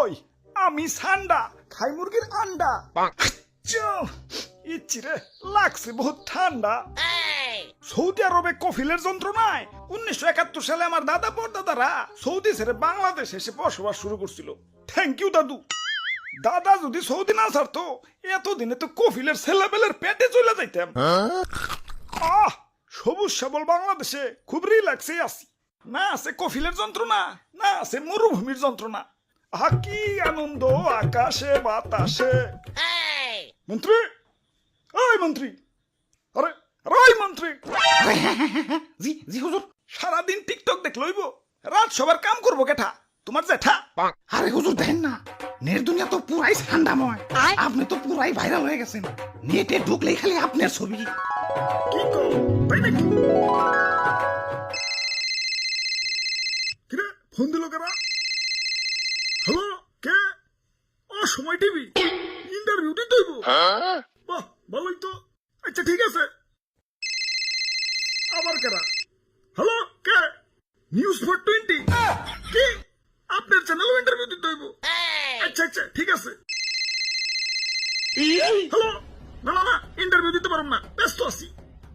ওই আমি সান্ডা খাই মুরগির আন্ডা। ইচ্ছিরে লাগছে বহুত ঠান্ডা। সৌদি আরবে কফিলের যন্ত্রণায় 1971 সালে আমার দাদা পরদাদারা সৌদি ছেড়ে বাংলাদেশ এসে বসবাস শুরু করছিল। থ্যাংক ইউ দাদু। দাদা যদি সৌদি না ছাড়তো এতদিনে তো কফিলের ছেলেবেলের পেটে চলে যাইতাম। সবুজ সবল বাংলাদেশে খুব রিল্যাক্সে আছি। না আছে কফিলের যন্ত্রণা, না আছে মরুভূমির যন্ত্রণা। কি আনন্দ আকাশে বাতাসে। মন্ত্রী, ওই মন্ত্রী, আরে ওই মন্ত্রী। জি জি হুজুর। সারাদিন টিকটক দেখ লইব, রাত সবার কাম করবো কেঠা? তোমার জেঠা? আরে হুজুর দেখেন না, নেট দুনিয়া তো পুরাই ঠান্ডাময়। আপনি তো পুরাই ভাইরাল হয়ে গেছেন। নেটে ঢুকলেই খালি আপনার ছবি। কি করো তাই নাকি? কিরে ফোন দিল কারা? হ্যালো, কে? সময় টিভি ইন্টারভিউ দিতে হইব? বাহ, ভালোই তো। আচ্ছা ঠিক আছে। আবার কারা? হ্যালো, কে? নিউজ 420? কি আপনার চ্যানেলও ইন্টারভিউ দিতে হইব? আচ্ছা আচ্ছা ঠিক আছে। হ্যালো, না না না, ইন্টারভিউ দিতে পারব না, ব্যস্ত আছি।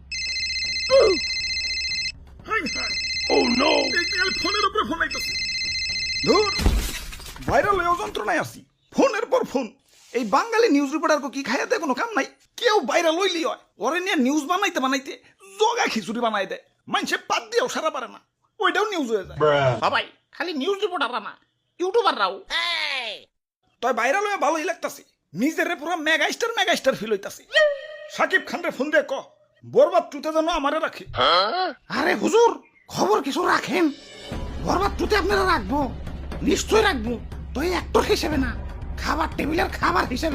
ফোনের উপরে ফোন আইতেছে। ধুর, ভাইরাল হয়ে যন্ত্রণায় আছি। ফোনের পর ফোন। এই বাঙালি নিউজ রিপোর্টার কি খাইয়াতে কোনো কাম নাই? কেউ ভাইরাল হইলি হয়, ওরে নিয়ে নিউজ বানাইতে বানাইতে জগা খিচুড়ি বানাই দেয়। মানুষে পাত দিয়েও সারা পারে না, ওইটাও নিউজ হয়ে যায়। সবাই খালি নিউজ রিপোর্টাররা না, ইউটিউবাররাও। তাই ভাইরাল হয়ে ভালোই লাগতাছে। নিজেরে পুরো মেগাস্টার ফিল হইতাছে। সাকিব খান রে ফোন দিয়ে ক বরবাদ টুতে যেন আমারে রাখে। আরে হুজুর, খবর কিছু রাখেন। বরবাদ টুতে আপনারা রাখবো, নিশ্চয় রাখবো। তো এই অ্যাক্টর হিসেবে না, খাবার টেবিলের খাবার হিসেবে।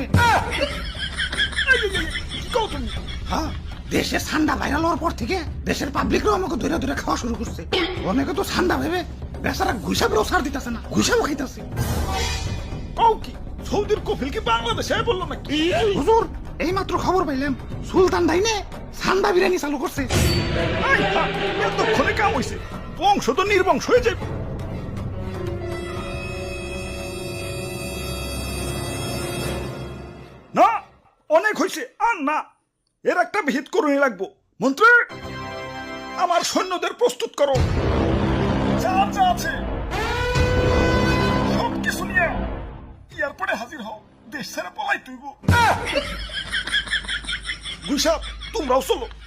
হ্যাঁ, দেশে ঠান্ডা ভাইরাল হওয়ার পর থেকে দেশের পাবলিকরাও আমাকে ধরে ধরে খাওয়া শুরু করছে। অনেকে তো ঠান্ডা ভেবে বেচারা ঘুষাবেও ছাড় দিতেছে না, ঘুষাবো খাইতেছে। কি সৌদির কফিল কি বাংলাদেশে বললো নাকি? হুজুর, এই মাত্র খবর পাইলাম সুলতান ডাইনে ঠান্ডা বিরিয়ানি চালু করছে। এতক্ষণে কাম হইছে, বংশ তো নির্বংশ হয়ে যাবে। না, অনেক হয়েছে, আর না। এর একটা ভিত করুনি লাগবো। মন্ত্রী, আমার সৈন্যদের প্রস্তুত করো। যা যা আছে সব কিছু নিয়ে এয়ারপোর্টে হাজির হও। দেশ ছেড়ে পলাই তুইব। গুইসাপ, তোমরাও চলো।